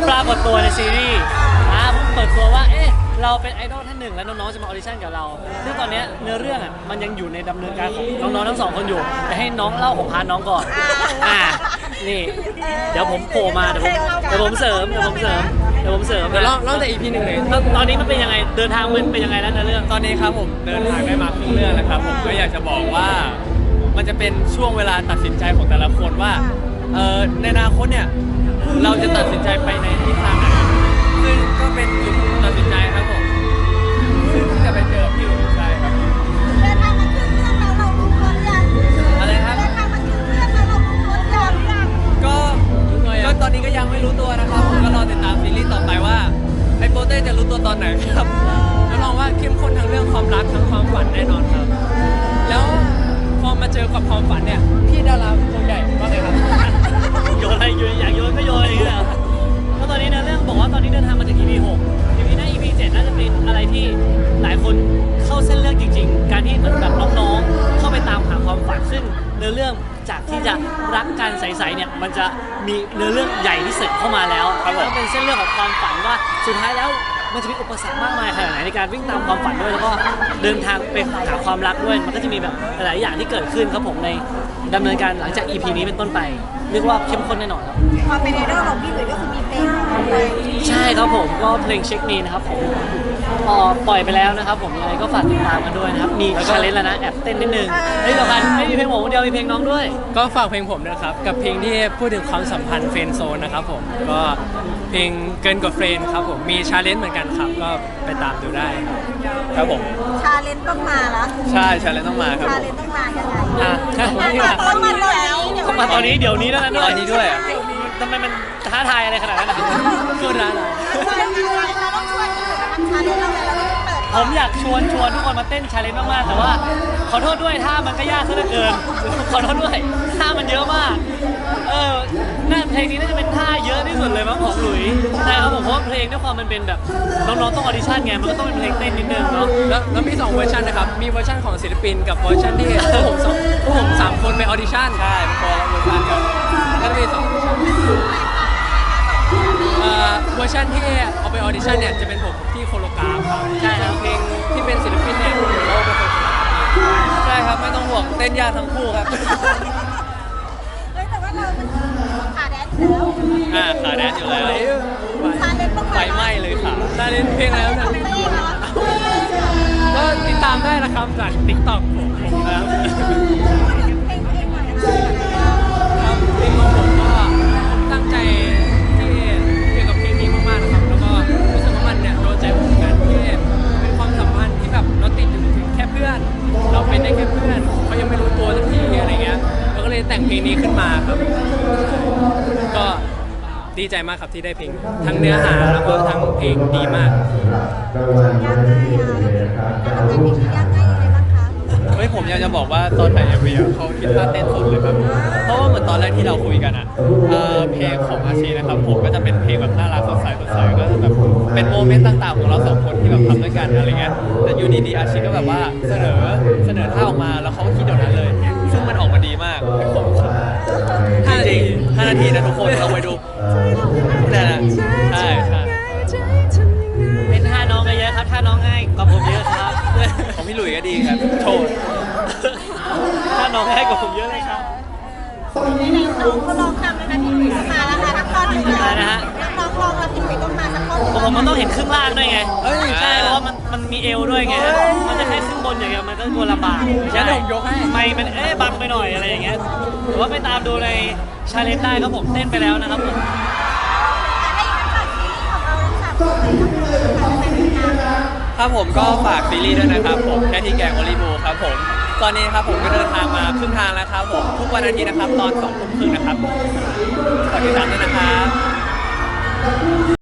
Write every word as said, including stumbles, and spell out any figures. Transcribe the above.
ปรากฏตัวในซีรีส์อ่าเพิ่งเปิดตัวว่าเอ๊ะเราเป็นไอดอลท่านหนึ่งแล้วน้องๆจะมาออดิชั่นกับเราซึ่งตอนนี้เนื้อเรื่องอ่ะมันยังอยู่ในดำเนินการของน้องๆทั้งสองคนอยู่แต่ให้น้องเล่าของพาร์ทน้องก่อนอ่านี่เดี๋ยวผมโผล่มาเดี๋ยวผมเดี๋ยวผมเสริมเดี๋ยวผมเสริมเดี๋ยวผมเสริมเดี๋ยวเล่าเล่าแต่ อี พี หนึ่งเลยตอนนี้มันเป็นยังไงเดินทางมันเป็นยังไงแล้วในเรื่องตอนนี้ครับผมเดินทางได้มาครึ่งเรื่องแล้วครับผมก็อยากจะบอกว่ามันจะเป็นช่วงเวลาตัดสินใจของแต่ละคนว่าเออในอนาคตเนี่ยเราจะตัดสินใจไปในทิศทางไหนซึ่งก็เป็นจุดตัดสินใจครับผมซึ่งจะไปเจอพี่หลุยส์ใช่ครับเดินทางมาถึงเรื่องแล้วเรารู้ตัวหรือยังอะไรครับเดินทางมาถึงเรื่องแล้วเรารู้ตัวหรือยังก็ก็ตอนนี้ก็ยังไม่รู้ตัวนะครับผมก็รอติดตามซีรีส์ต่อไปว่าไอ้โปเต้จะรู้ตัวตอนไหนครับแล้วลองว่าเข้มข้นทั้งเรื่องความรักทั้งความฝันแน่นอนครับ แล้วพอมาเจอกับความฝันเนี่ยพี่ดาราตัวใหญ่ว่าไงครับโยนอะไรโยนอยากโยนก็โยนอย่างเงี้ยก็ตอนนี้ในเรื่องบอกว่าตอนนี้เดินทางมาถึง อี พี หก อี พี หน้า อี พี เจ็ดน่าจะเป็นอะไรที่หลายคนเข้าเส้นเรื่องจริงๆการที่เหมือนแบบน้องๆเข้าไปตามหาความฝันซึ่งเนื้อเรื่องจากที่จะรักกันใสๆเนี่ยมันจะมีเนื้อเรื่องใหญ่ที่สุดเข้ามาแล้วแล้วเป็นเส้นเรื่องของความฝันว่าสุดท้ายแล้วมันจะมีอุปสรรคมากมายขนาดไหนในการวิ่งตามความฝันด้วยแล้วก็เดินทางไปหาความรักด้วยมันก็จะมีแบบหลายๆอย่างที่เกิดขึ้นครับผมในดำเนินการหลังจาก อี พี นี้เป็นต้นไปเรียกว่าเข้มข้นแน่นอนครับความเป็นไอดอลของพี่หลุยส์ก็คือมีเพลงของเขาเลยใช่ครับผมก็เพลงเช็คมีนะครับผมพอปล่อยไปแล้วนะครับผมยังไงก็ฝากติดตามกันด้วยนะครับมีชาเลนจ์แล้วนะแอบเต้นนิดนึงเฮ้ยสำคัญไม่มีเพลงผมคนเดียวมีเพลงน้องด้วยก็ฝากเพลงผมนะครับกับเพลงที่พูดถึงความสัมพันธ์เฟรนด์โซนนะครับผมก็เพลงเกินกว่าเฟรนด์ครับผมมีชาเลนจ์เหมือนกันครับก็ไปตามดูได้ครับครับผมชาเลนจ์ต้องมาละใช่ชาเลนจ์ต้องมาครับชาผมเลนจ์ต้องมายังไงอ่ะต้องมาตอนนี้ต้องมาตอนนี้เดี๋ยวนี้แล้วนะด้วยตอนนี้ด้วยอ่ะทำไมมันท้าทายอะไรขนาดนั้นอะพูดนะเราต้องช่วยชาเลนจ์เราเลยเราต้องเปิดผมอยากชวนชวนทุกคนมาเต้นชาเลนจ์มากๆแต่ว่าขอโทษด้วยท่ามันก็ยากซะเหลือเกินขอโทษด้วยท่ามันเยอะมากเออน่าเพลงนี้น่าจะเป็นท่าเยอะที่สุดเลยมั้งของหลุยใช่ครับผมเพราะว่าเพลงด้วยความมันเป็นแบบน้องๆต้องออดิชั่นไงมันก็ต้องเป็นเพลงเต้นนิดนึงเนาะแล้วแล้วมีสองเวอร์ชันนะครับมีเวอร์ชันของศิลปินกับเวอร์ชันที่พวกผมสองพวกผมสามคนไปออดิชั่นใช่เป็นคนละเวอร์ชันกันแล้วมีสองเวอร์ชันเอ่อเวอร์ชันที่เอาไปออดิชั่นเนี่ยจะเป็นผมที่โคโลกราฟครับใช่แล้วเพลงที่เป็นศิลปินเนี่ยเราเป็นคนโคโลกราฟเองใช่ครับไม่ต้องห่วงเต้นยากทั้งคู่ครับเฮ้ยแต่ว่าเราเป็นขาแดนอยู่แล้วอ่าขาแดนอยู่แล้วชาเลนจ์ต้องไฟมาไหม้เลยค่ะชาเลนจ์เพลงอะไรครับเนี่ยเพลงเหรอก็ติดตามได้นะครับจาก ติ๊กต็อก ผมผมนะครับเพลงเพลงใหม่นะคะครับเพลงของผมก็ผมตั้งใจที่เกี่ยวกับเพลงนี้มากๆนะครับแล้วก็รู้สึกว่ามันเนี่ยโดนใจผมเหมือนกันที่เป็นความสัมพันธ์ที่แบบเราติดอยู่ถึงแค่เพื่อน เราเป็นได้แค่เพื่อนเขายังไม่รู้ตัวสักทีอะไรเงี้ยเราก็เลยแต่งเพลงนี้ขึ้นมาครับก็ดีใจมากครับที่ได้เพลงทั้งเนื้อหาแล้วก็ทั้งเพลงดีมากยากง่ายอ่ะการทำงานเพลงนี้ยากง่ายยังไงบ้างคะเฮ้ยผมอยากจะบอกว่าตอนถ่ายเอ็มวีเขาคิดท่าเต้นสุดเลยครับเพราะว่าเหมือนตอนแรกที่เราคุยกันอ่ะเอ่อเพลงของอาชีนะครับผมก็จะเป็นเพลงแบบน่ารักสดใสสดใสก็จะแบบเป็นโมเมนต์ต่างๆของเราสองคนที่แบบทำด้วยกันอะไรเงี้ยแต่อยู่ดีๆอาชีก็แบบว่าเสนอเสนอท่าออกมาแล้วเขาก็คิดเดี๋ยวนั้นเลย ซึ่งมันออกมาดีมากผมห้านาทีห้านาทีนะทุกคนลองไปดูนั่นแหละใช่ใช่เป็นท่าน้องก็เยอะครับท่าน้องง่ายกว่าผมเยอะครับของพี่หลุยส์ก็ดีครับโชว์ท่าน้องง่ายกว่าผมเยอะเลยครับน้องเขาลองทำนะคะพี่หลุยส์มาแล้วค่ะนักร้องหนึ่งอะไรนะฮะน้องลองแล้วพี่หลุยส์ต้องมาสักคนผมผมมันต้องเห็นครึ่งล่างด้วยไงเอ้ยใช่เพราะว่ามันมันมีเอวด้วยไง มันจะแค่ครึ่งบนอย่างเงี้ยมันก็กลัวลำบากงั้นเดี๋ยวผมยกให้ไม่มันเอ๊ะบังไปหน่อยอะไรอย่างเงี้ยหรือว่าไปตามดูในชาเลนจ์ได้ครับผมเต้นไปแล้วนะครับผมให้ฝากซีรีส์ของเราทั้งสามคนเลยค่ะฝากเป็นงานครับผมก็ฝากซีรีส์ด้วยนะครับผมแค่ที่แกงโอลิบูครับผมตอนนี้ครับผมก็เดินทางมาครึ่งทางแล้วครับผมทุกวันอาทิตย์นะครับตอนสองทุ่มครึ่งนะครับฝากติดตามด้วยนะครับ